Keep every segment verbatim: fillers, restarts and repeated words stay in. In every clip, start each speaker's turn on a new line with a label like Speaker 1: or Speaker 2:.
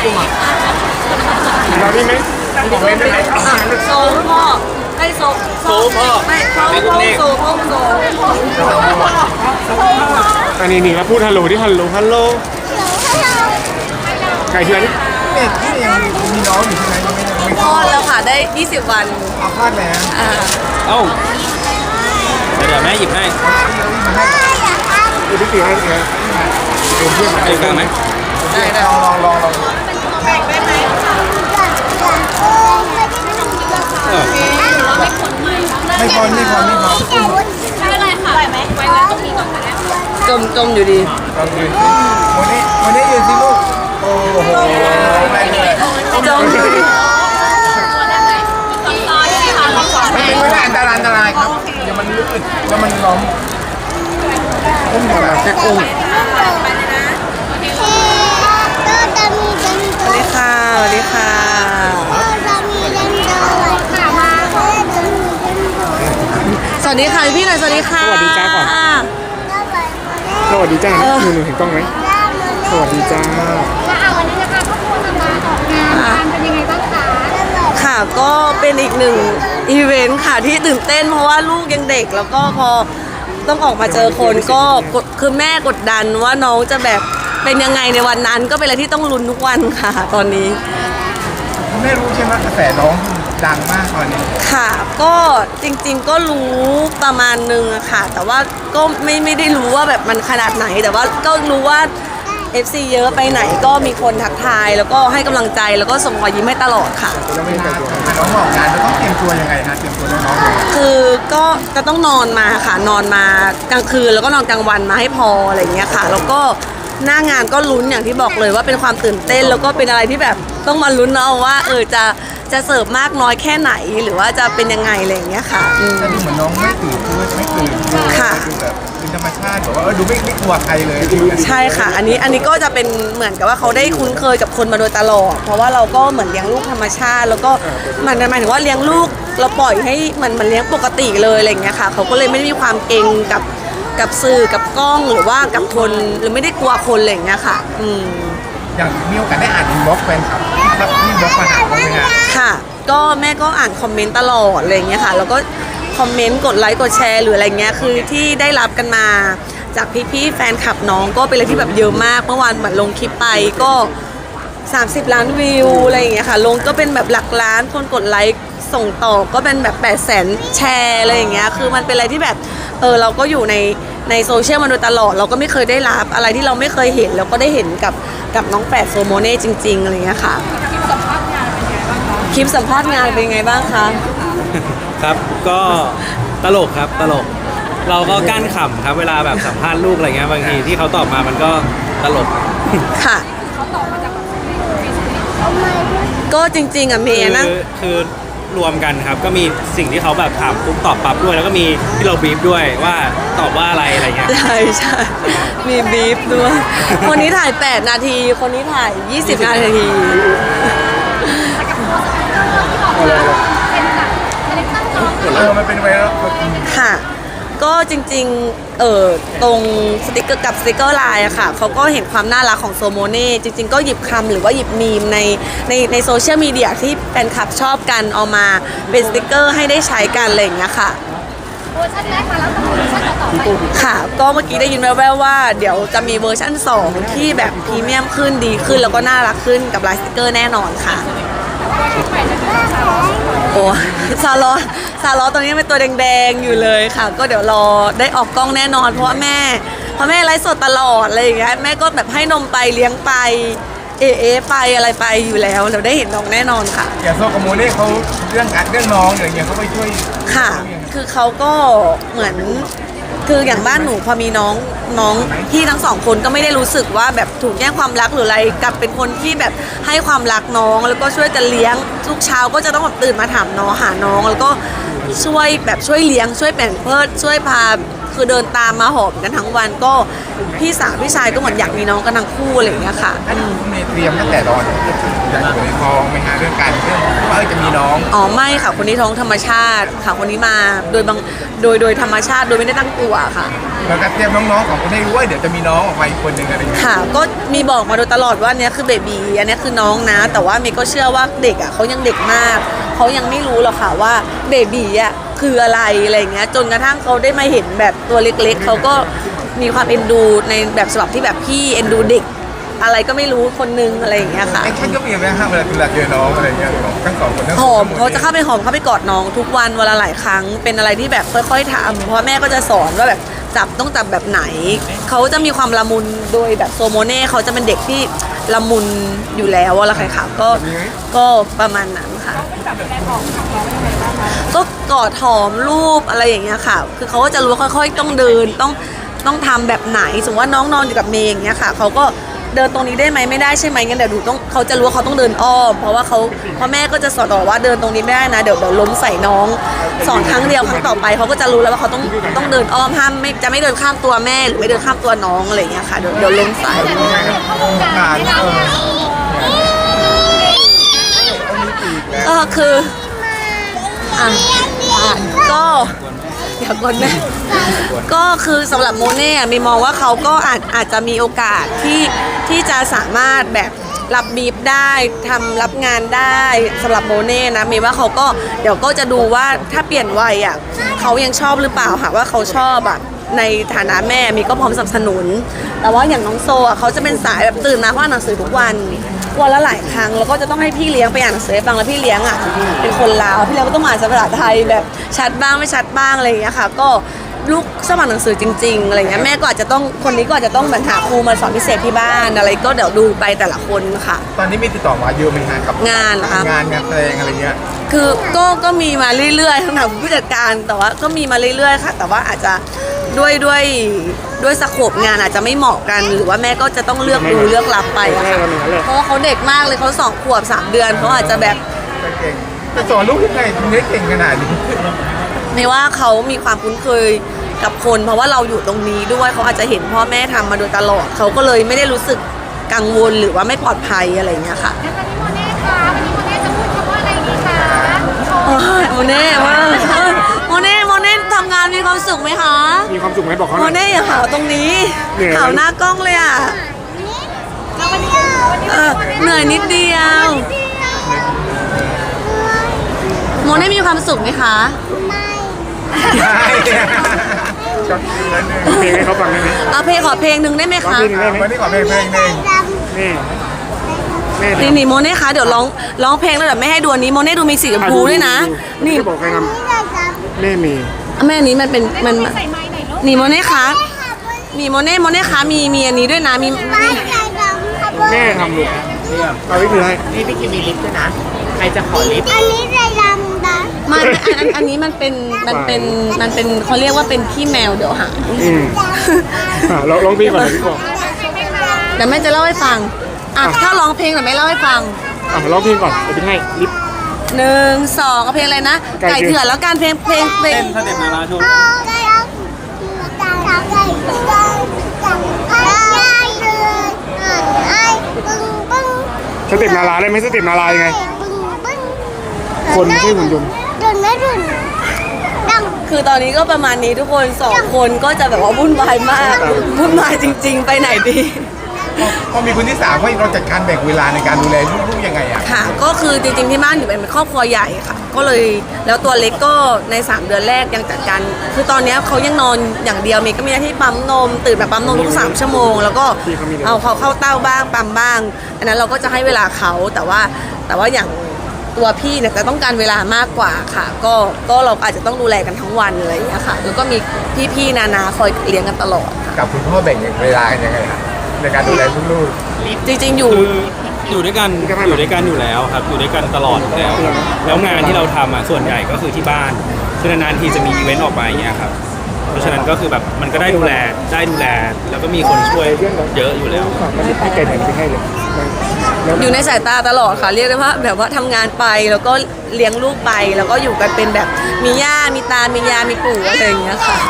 Speaker 1: กูมาเราได้ไหมของเล่นได้ไหม
Speaker 2: โซพ่อให้โซโซพ่อไม่โซพ่อโซพ่อโซ
Speaker 1: อันนี้นี่แล้วพูดฮัลโหลที่ฮัลโหลฮัลโหลไก่เถื่อน
Speaker 3: เด็กที่ยังมีน้องอยู่ที่ไหนยังไม่ไม่
Speaker 2: คลอดแล้วค่ะได้ยี่สิบวัน
Speaker 3: เอาคลอดแล้ว
Speaker 2: อ่า
Speaker 4: เอ้าเดี๋ยวแม่หยิบให้
Speaker 1: ดูที่ตีให้เนี่ยเดี๋ยวเพื่อน
Speaker 4: เอาอีกครั้งไหม
Speaker 2: ได้ได้
Speaker 3: ลองลองลองลอง
Speaker 2: แบ่งได้ไหม
Speaker 4: เออ
Speaker 3: ไม่พอไม่พอไม่พอ
Speaker 2: ไม่เป็นไรค่ะไหวไหมไว้ไว้ตรงนี้ก่อนก็ได้จมจมอยู่ดี
Speaker 3: ลองยืนวันนี้วันนี้ยืนสิลูกโอ้โหไม่เลย
Speaker 2: จมอยู่ดี
Speaker 3: ไม่เป็นไม่ได้อันตรายอันตรายครับเดี๋ยวมันลื่นแล้วมันล้มอุ้มหัวเราแค่อุ้ม
Speaker 2: สวัสดีค่ะสวัสดีค่ะสวัสดีค่ะพี่หน่อยสวัสดีค่ะ
Speaker 1: สวัสดีจ้าก่อนสวัสดีจ้าหนูหนูเห็นกล้องไหมสวัสดีจ้า
Speaker 5: วันนี้นะคะครอบครัวมาออกงานเป็นยังไงบ้างคะ
Speaker 2: ค่ะก็เป็นอีกหนึ่งอีเวนต์ค่ะที่ตื่นเต้นเพราะว่าลูกยังเด็กแล้วก็พอต้องออกมาเจอคนก็กดคือแม่กดดันว่าน้องจะแบบเป็นยังไงในวันนั้นก็เป็นอะไรที่ต้องลุ้นทุกวันค่ะตอนนี้
Speaker 3: คุณไม่รู้ใช่ไหมกระแสน้องดังมากตอนนี้
Speaker 2: ค่ะก็จริงๆก็รู้ประมาณนึงอะค่ะแต่ว่าก็ไม่ไม่ได้รู้ว่าแบบมันขนาดไหนแต่ว่าก็รู้ว่า เอฟ ซี เยอะไปไหนก็มีคนทักทายแล้วก็ให้กำลังใจแล้วก็ส่งรอยยิ้มให้ตลอดค่ะ
Speaker 3: แล้วเวลาน้องออกงานเราต้องเตรียมตัวยังไงฮะเตรียมตัวน้องๆ
Speaker 2: คือก็จะต้องนอนมาค่ะนอนมากลางคืนแล้วก็นอนกลางวันมาให้พออะไรอย่างเงี้ยค่ะแล้วก็หน้างานก็ลุ้นอย่างที่บอกเลยว่าเป็นความตื่นเต้นแล้วก็เป็นอะไรที่แบบต้องมาลุ้นเอาว่าเออจะจะเสิร์ฟมากน้อยแค่ไหนหรือว่าจะเป็นยังไงอะไรอย่างเงี้ยค่ะอืม
Speaker 3: แต่ดูเหมือนน้องไม่ตื่นตัวไม่ตื่นดู
Speaker 2: ค่ะ
Speaker 3: ดูแบบเป็นธรรมชาติแบบว่าเออดูไม่ไม่กลัวใครเลย
Speaker 2: ใช่ค่ะอันนี้อันนี้ก็จะเป็นเหมือนกับว่าเขาได้คุ้นเคยกับคนมาโดยตลอดเพราะว่าเราก็เหมือนเลี้ยงลูกธรรมชาติ แล้วก็มันหมายถึงว่าเลี้ยงลูกเราปล่อยให้มันมันเลี้ยงปกติเลยอะไรอย่างเงี้ยค่ะเขาก็เลยไม่ได้มีความเกรงกับกับสื่อกับกล้องหรือว่ากับคนหรือไม่ได้กลัวคนอะไรอย่างเงี้ยค่ะอืม
Speaker 3: อย่างมีโอกาสได้อ่านอินบ็อกซ์แฟนคลับที่ที่บล็อกมาหาเขาไหมฮะ
Speaker 2: ค่ะก็แม่ก็อ่านคอมเมนต์ตลอดอะไรอย่างเงี้ยค่ะแล้วก็คอมเมนต์กดไลค์กดแชร์หรืออะไรเงี้ยคือที่ได้รับกันมาจากพี่ๆแฟนคลับน้องก็เป็นอะไรที่แบบเยอะมากเมื่อวานเหมือนลงคลิปไปก็สามสิบล้านวิวอะไรอย่างเงี้ยค่ะลงก็เป็นแบบหลักล้านคนกดไลค์ส่งต่อก็เป็นแบบแปดแสนแชร์อะไรอย่างเงี้ยคือมันเป็นอะไรที่แบบเออเราก็อยู่ในในโซเชียลมาโดยตลอดเราก็ไม่เคยได้รับอะไรที่เราไม่เคยเห็นแล้วก็ได้เห็นกับกับน้องแฝดโซโมเน่จริงๆอะไรเงี้ยค่ะคลิปสัมภาษณ์งานเป็นไงบ้างคะ
Speaker 4: ครับก็ตลกครับตลก เราก็กั้นขำครับเวลาแบบสัมภาษณ์ลูกอะไรเงี้ยบางทีที่เขาตอบมามันก็ตลก
Speaker 2: ค่ะก็จริงๆอ่ะเม
Speaker 4: คื
Speaker 2: ย์นะ
Speaker 4: คือรวมกันครับก็มีสิ่งที่เขาแบบถามปุ๊บตอบปั๊บด้วย แล้วก็มีที่เราบีฟด้วยว่าตอบว่าอะไรอะไรเงี้ย
Speaker 2: ใช่ใช่มีบีฟด้วย คนนี้ถ่ายแปดนาที คนนี้ถ่ายยี่สิบนาที
Speaker 3: เออมันเป็นไวรัล
Speaker 2: ค่ะ ก็จริงๆ เออตรงสติกเกอร์กับสติกเกอร์ไลน์อะค่ะเขาก็เห็นความน่ารักของโซโมเน่จริงๆ ก็หยิบคำหรือว่าหยิบมีมในในในโซเชียลมีเดียที่แฟนคลับชอบกันเอามาเป็นสติกเกอร์ให้ได้ใช้กันอะไรอย่างเงี้ยค่ะ
Speaker 5: เวอร์ชันแรกมาแล้วต้องมีเวอร์ชันต่อไป
Speaker 2: ค่ะ ก็เมื่อกี้ได้ยินแว่วๆว่าเดี๋ยวจะมีเวอร์ชั่นสองที่แบบพรีเมียมขึ้นดีขึ้นแล้วก็น่ารักขึ้นกับลายสติกเกอร์แน่นอนค่ะ โอ้ซาลอซาลอตอนนี้เป็นตัวแดงๆอยู่เลยค่ะ ก็เดี๋ยวรอได้ออกกล้องแน่นอนเพราะว่าแม่เพราะแม่ไลฟ์สดตลอดอะไรอย่างเงี้ยแม่ก็แบบให้นมไปเลี้ยงไปเอเอไปอะไรไปอยู่แล้วเราได้เห็นน้องแน่นอนค่ะ
Speaker 3: อย่างโซโกโมเน่เขาเรื่องอัดเรื่องน้องอย่างเงี้ยเขาไปช่วย
Speaker 2: ค่ะ คือเขาก็เหมือนคืออย่างบ้านหนูพอมีน้องน้องพี่ทั้งสองคนก็ไม่ได้รู้สึกว่าแบบถูกแย่งความรักหรืออะไรกลับเป็นคนที่แบบให้ความรักน้องแล้วก็ช่วยกันเลี้ยงทุกเช้าก็จะต้องแบบตื่นมาถามน้องหาน้อง แล้วก็ช่วยแบบช่วยเลี้ยงช่วยแบ่งเพิดช่วยพาคือเดินตามมาหอมกันทั้งวันก็พี่สาวพี่ชายก็เหมือนอยากมีน้องกันทั้งคู่อะไรอย่างเงี้ยค่ะ
Speaker 3: อันนี้คุณเมย์เตรียมตั้งแต่ตอนอยากอยู่ในท้องไหมฮะเรื่องการเรื่องว่าเออจะมีน้อง
Speaker 2: อ๋อไม่ค่ะคนนี้ท้องธรรมชาติค่ะคนนี้มาโดยบางโดยโดยธรรมชาติโดยไม่ได้ตั้งตัวค่ะ
Speaker 3: เราก็เตรียมน้องๆของคนให้รู้ว่าเดี๋ยวจะมีน้องออกมาอีกคนหนึ่งอะไรอย่างเงี้ย
Speaker 2: ค่ะก็มีบอกมาโดยตลอดว่าอันเนี้ยคือเบบีอันเนี้ยคือน้องนะ แต่ว่าเมย์ก็เชื่อว่าเด็กอ่ะเขายังเด็กมากเขายังไม่รู้หรอกค่ะว่าเบบีอ่ะคืออะไรอะไรอย่างเงี้ยจนกระทั่งเขาได้มาเห็นแบบตัวเล็กๆเขาก็มีความเอ็นดูในแบบฉบับที่แบบพี่เอ็นดูเด็ก อะไรก็ไม่รู้คนนึงอะไรอย่างเงี้ยค่ะ
Speaker 3: แอคชั่นก็มีไหมฮะเวลาเวลาเจอน้องอะไรอย่างเงี้ยของทั้งสองคนทั้ง
Speaker 2: หอมเขาจะเข้าไปหอมเข้าไปกอดน้องทุกวันวันละหลายครั้งเป็นอะไรที่แบบค่อยๆทำเพราะแม่ก็จะสอนว่าแบบจับต้องจับแบบไหนเขาจะมีความละมุนโดยแบบโซโมเน่เขาจะเป็นเด็กที่ละมุนอยู่แล้วอะไรใครค่ะก็ก็ประมาณนั้นค่ะก็กอดหอมรูปอะไรอย่างเงี้ยค่ะ คือเขาก็จะรู้ว่าค่อยๆต้องเดินต้องต้องทำแบบไหนสมมติว่าน้องนอนอยู่กับเมย์อย่างเงี้ยค่ะเขาก็เดินตรงนี้ได้ไหมไม่ได้ใช่ไหมงั้นเดี๋ยวดูต้องเขาจะรู้ว่าเขาต้องเดินอ้อมเพราะว่าเขาเพราะแม่ก็จะสอนตลอดว่าเดินตรงนี้ไม่ได้นะเดี๋ยวเดี๋ยวล้มใส่น้องสอนครั้งเดียวครั้งต่อไปเขาก็จะรู้แล้วว่าเขาต้องต้องเดินอ้อมห้ามไม่จะไม่เดินข้ามตัวแม่หรือไม่เดินข้ามตัวน้องอะไรอย่างเงี้ยค่ะเดี๋ยวเดี๋ยวล้มใส่
Speaker 3: ผ่านเออ
Speaker 2: ก็คืออ่ะอ่ะก็อย่ากดแม่ก็คือสำหรับโมเน่อะมีมองว่าเขาก็อาจอาจจะมีโอกาสที่ที่จะสามารถแบบรับบีฟได้ทำรับงานได้สำหรับโมเน่นะมีว่าเขาก็เดี๋ยวก็จะดูว่าถ้าเปลี่ยนวัยอ่ะเขายังชอบหรือเปล่าหากว่าเขาชอบอ่ะในฐานะแม่มีก็พร้อมสนับสนุน แต่ว่าอย่างน้องโซอ่ะเขาจะเป็นสายแบบตื่นมาเขาอ่านหนังสือทุกวันวันละหลายครั้งแล้วก็จะต้องให้พี่เลี้ยงไปอ่านหนังสือให้ฟังแล้วพี่เลี้ยงอ่ะเป็นคนลาวพี่เลี้ยงก็ต้องอ่านภาษาไทยแบบชัดบ้างไม่ชัดบ้างอะไรอย่างเงี้ยค่ะก็ลูกสมัครหนังสือจริงๆอะไรเงี้ยแม่ก็อาจจะต้องคนนี้ก็อาจจะต้องเหมือนหาครูมาสอนพิเศษที่บ้านอะไรก็เดี๋ยวดูไปแต่ละคนค่ะ
Speaker 3: ตอนนี้มีติดต่อมาเยอะไหมฮะกับ
Speaker 2: งานเหรอคะ
Speaker 3: งานงานแสดงอะไรเงี้ย
Speaker 2: คือก็ก็มีมาเรื่อยๆทั้งทางผู้จัดการแต่ว่าก็มีมาเรื่อยๆค่ะ แต่ว่าอาจจะด้วยด้วยด้วยสโคปงานอาจจะไม่เหมาะกัน หรือว่าแม่ก็จะต้องเลือกดูเลือกรับไปอะค่ะเพราะว่าเขาเด็กมากเลยเขาสองขวบสามเดือนเขาอาจจะแบบ
Speaker 3: เก่งจะสอนลูกยังไงถึงได้เก่งขนาดนี้
Speaker 2: ไม่ว่าเขามีความคุ้นเคยกับคน เพราะว่าเราอยู่ตรงนี้ด้วยเขาอาจจะเห็นพ่อแม่ทำมาโดยตลอดเขาก็เลยไม่ได้รู้สึกกังวลหรือว่าไม่ปลอดภัยอะไรอย่างเงี้ยค่ะ
Speaker 5: แล้ววันนี้โมเน่คะวันนี้โมเน่จะพูดคำว่าอะไรดีคะโชว์
Speaker 2: โอ้ยโมเน่ว่าโมเน่โมเน่ทำงานมีความสุขไหมคะ
Speaker 1: มีความสุขไหมบอกเขาห
Speaker 2: โม
Speaker 1: น่อย
Speaker 2: เน่อย่าหาวตรงนี้
Speaker 1: เหนื่อยไหม
Speaker 2: หาวหน้ากล้องเลยอ่ะ
Speaker 5: แล้ววันนี้วันนี้
Speaker 2: เออเหนื่อยนิดเดียวโมเน่มีความสุขไหมคะ
Speaker 3: ใช่ช็อตฟิลแล้วหนึ่ง
Speaker 1: เพลงให้เขาฟังได้ไหม
Speaker 2: เอาเพลงขอเพลงหนึ่งได้ไหม
Speaker 1: ร้อง
Speaker 2: คะ
Speaker 1: เพลงหนึ่งได้ไหม
Speaker 3: วันนี้ขอเพลงเพลงหนึ่ง
Speaker 1: แม่แม่
Speaker 2: นี่นี่โมเน่คะเดี๋ยวร้องร้องเพลงแล้วเดี๋ยวไม่ให้ดูอันนี้โมเน่ดูมีสีชมพูด้วยนะ นี่
Speaker 1: จะบอกใครทำแม่มี
Speaker 2: แม่อันนี้มันเป็นมัน
Speaker 5: ใส่ไม้ไหนลูก
Speaker 2: นี่โมเน่คะนี่โมเน่โมเน่คะมีมีอันนี้ด้วยนะมีมี
Speaker 1: แม่ทำลูกเอาวิธีให้
Speaker 6: นี่พี่คิมมีลิฟต์ด้วยนะ ใครจะขอลิฟต์
Speaker 5: อันนี้ใส่ดำนะ
Speaker 2: ไม่ไม่อันอันอันนี้มันเป็นมันเป็นมันเป็นเขาเรียกว่าเป็นขี้แมวเดี๋ยวหา
Speaker 1: อืมอ่ะลองลองเพลงก่อนเลยพี่บอก
Speaker 2: เดี๋ยวแม่จะเล่าให้ฟังอ่ะถ้าร้องเพลงเดี๋ยวแม่เล่าให้ฟัง
Speaker 1: อ่ะลองเพลงก่อนเดี๋ยวพี่ให้ลิฟต์
Speaker 2: หนึ่งสองเอาเพลงอะไรนะ
Speaker 1: ไก่
Speaker 2: ไก่
Speaker 1: เถื่
Speaker 2: เถื่
Speaker 1: อ
Speaker 2: อน นแล้วการเพลงเพลงเพลง
Speaker 4: เต้นสเต็ปนาราโชว์
Speaker 5: ได้แล้วตาตาใจจังจังได้เลยไอ้ปึ้งปึ้ง
Speaker 1: สเต็ปนาราได้ไหมสเต็ปนารายังไง
Speaker 5: ปึ้งปึ้ง
Speaker 1: คนไม่ใช่หุ่นยนต์
Speaker 5: ดุนไม่ดุนดัง
Speaker 2: คือตอนนี้ก็ประมาณนี้ทุกคนสองคนก็จะแบบว่าวุ่นวายมากวุ่นวายจริง ๆ ไปไหนดี
Speaker 3: พอมีคนที่สามเราจัดการแบ่งเวลาในการดูแลลูกๆยังไงอ่ะ
Speaker 2: ค่ะ ก็คือจริงๆที่บ้านอยู่เป็นครอบครัวใหญ่ค่ะ ก็เลยแล้วตัวเล็กก็ในสามเดือนแรกยังจัดการคือตอนนี้เขายังนอนอย่างเดียวเมย์ก็มีหน้าที่ปั๊มนมตื่นแบบปั๊มนมทุกสามชั่วโมงแล้วก็เอาเขาเข้าเต้าบ้างปั๊มบ้างอันนั้นเราก็จะให้เวลาเขาแต่ว่าแต่ว่าอย่างตัวพี่เนี่ยจะต้องการเวลามากกว่าค่ะ ก็ก็เราอาจจะต้องดูแลกันทั้งวันอะไรอย่างเงี้ยค่ะแล้วก็มีพี่ๆนานาคอยเลี้ยงกันตลอด
Speaker 3: กับคุณพ่อแบ่งเวลากันยังไงครับในการดูแลลูก
Speaker 2: จริงๆอยู่
Speaker 4: คืออยู่ด้วยกันอยู่ด้วยกันอยู่แล้วครับอยู่ด้วยกันตลอดอยู่แล้วแล้วงานที่เราทำอ่ะส่วนใหญ่ก็คือที่บ้านคือนานๆทีจะมีอีเวนต์ออกมาอย่างเงี้ยครับเพราะฉะนั้นก็คือแบบมันก็ได้ดูแลได้ดูแล แล้วก็มีคนช่วยเยอะอยู่แล้ว
Speaker 1: ฝากไม่ได้ไก่ไหนพี่ให้เลย
Speaker 2: อยู่ในสายตาตลอดค่ะเรียกได้ว่าแบบว่าทำงานไปแล้วก็เลี้ยงลูกไปแล้วก็อยู่กันเป็นแบบมีย่ามีตา มียา มีปู่อะไรอย่างเงี้ยค่ะ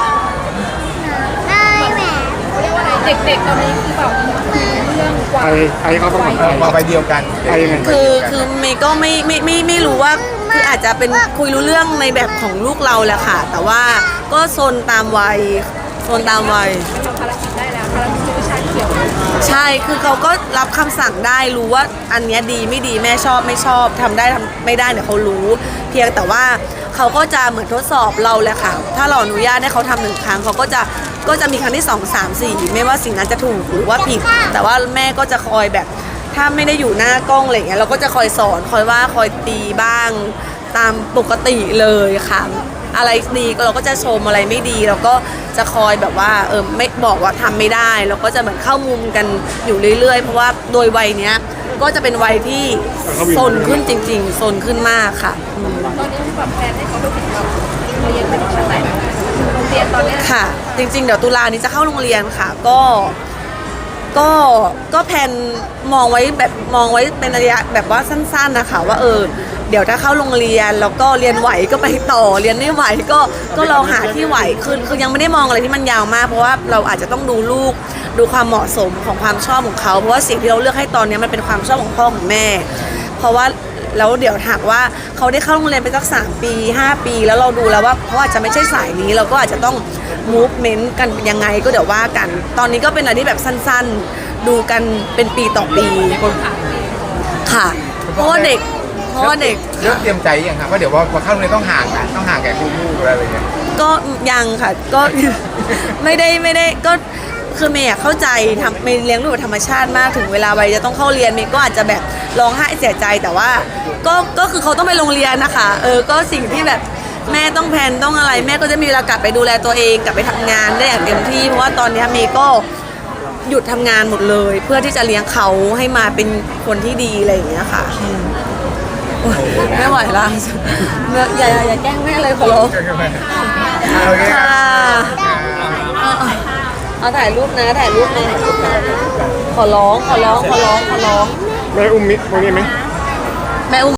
Speaker 5: ได้แหม
Speaker 7: เด็กๆตอนนี้คือแบบเรื่องกว่า
Speaker 1: ไอไอเขาต้องเหมือนไอ
Speaker 3: มาไปเดียวกัน
Speaker 1: ไอยังไง
Speaker 2: คือคือเมย์ก็ไม่ไม่ไม่ไม่รู้ว่าคืออาจจะเป็นคุยรู้เรื่องในแบบของลูกเราแหละค่ะ แต่ว่าก็โซนตามวัยโซนตามวัย
Speaker 7: ทำภารกิจได้แล้วภารกิจวิชาเขียว
Speaker 2: ใช่คือเขาก็รับคำสั่งได้รู้ว่าอันเนี้ยดีไม่ดีแม่ชอบไม่ชอบทำได้ทำไม่ได้เนี่ยเขารู้ เพียงแต่ว่าเขาก็จะเหมือนทดสอบเราแหละค่ะถ้าเราอนุญาตให้เขาทำหนึ่งครั้งเขาก็จะก็จะมีครั้งที่สองสามสี่ไม่ว่าสิ่งนั้นจะถูกหรือว่าผิด แต่ว่าแม่ก็จะคอยแบบ ถ้าไม่ได้อยู่หน้ากล้องอะไรอย่างเงี้ยเราก็จะคอยสอนคอยว่าคอยตีบ้างตามปกติเลยค่ะอะไรดีก็เราก็จะชมอะไรไม่ดีเราก็จะคอยแบบว่าเออไม่บอกว่าทำไม่ได้เราก็จะเหมือนเข้ามุมกันอยู่เรื่อยๆ เพราะว่าโดยวัยเนี้ยก็จะเป็นวัยที่ซนขึ้นจริงๆซนขึ้นมากค่ะอืม
Speaker 7: ตอนนี้แบบแฟนให้เขาไปถึงแบบเรียนไปถึงชั้นไหนโรงเรียนตอนเนี้ย
Speaker 2: ค่ะ จริงๆเดี๋ยวตุลานี้จะเข้าโรงเรียนค่ะก็ ก็ก็แผนมองไว้แบบมองไว้เป็นระยะแบบว่าสั้นๆนะคะว่าเออเดี๋ยวถ้าเข้าโรงเรียนแล้วก็เรียนไหวก็ไปต่อเรียนไม่ไหวก็ก็ลองหาที่ไหวขึ้นคือยังไม่ได้มองอะไรที่มันยาวมากเพราะว่าเราอาจจะต้องดูลูกดูความเหมาะสมของความชอบของเขาเพราะว่าสิ่งที่เราเลือกให้ตอนนี้มันเป็นความชอบของพ่อของแม่ เพราะว่าแล้วเดี๋ยวถากว่าเขาได้เข้าโรงเรียนไปสักสามปีห้าปี แล้วเราดูแล้วว่าเขาอาจจะไม่ใช่สายนี้เราก็อาจจะต้อง movement กันยังไงก็เดี๋ยวว่ากัน ตอนนี้ก็เป็นอะไรที่แบบสั้นๆ ดูกันเป็นปีต่อปีค่ะ เพราะว่าเด็กเพราะว่าเด็ก
Speaker 3: เริ่มเตรียมใจยังครับว่าเดี๋ยวว่าพอเข้าโรงเรียนต้องห่างกันต้องห่างแก่ลูกๆอะไรอย่างเงี้ย
Speaker 2: ก็ยังค่ะก็ ไม่ได้ไม่ได้ก็คือเมย์อะเข้าใจทำเมย์เลี้ยงลูกแบบธรรมชาติมากถึงเวลาวัยจะต้องเข้าเรียนเมย์ก็อาจจะแบบร้องไห้เสียใจแต่ว่าก็ก็คือเขาต้องไปโรงเรียนนะคะเออก็สิ่งที่แบบแม่ต้องแพลนต้องอะไร แม่ก็จะมีเวลากลับไปดูแลตัวเองกลับไปทำงานได้อย่างเต็มที่เพราะว่าตอนนี้เมย์ก็หยุดทำงานหมดเลย เพื่อที่จะเลี้ยงเขาให้มาเป็นคนที่ดีอะไรอย่างเงี้ยค่ะอืมโอ๊ยไม่ไหวละอย่าอย่าอย่าแกล้งแม่เลยขอร้อง
Speaker 3: โอเค
Speaker 2: ค่ะเอาเอาเอาถ่ายรูปนะถ่ายรูปนะขอร้องขอร้องขอร้องขอร้อง
Speaker 1: แม่อุ้มมิตรตรงนี้ไหม
Speaker 2: แม่อุ้ม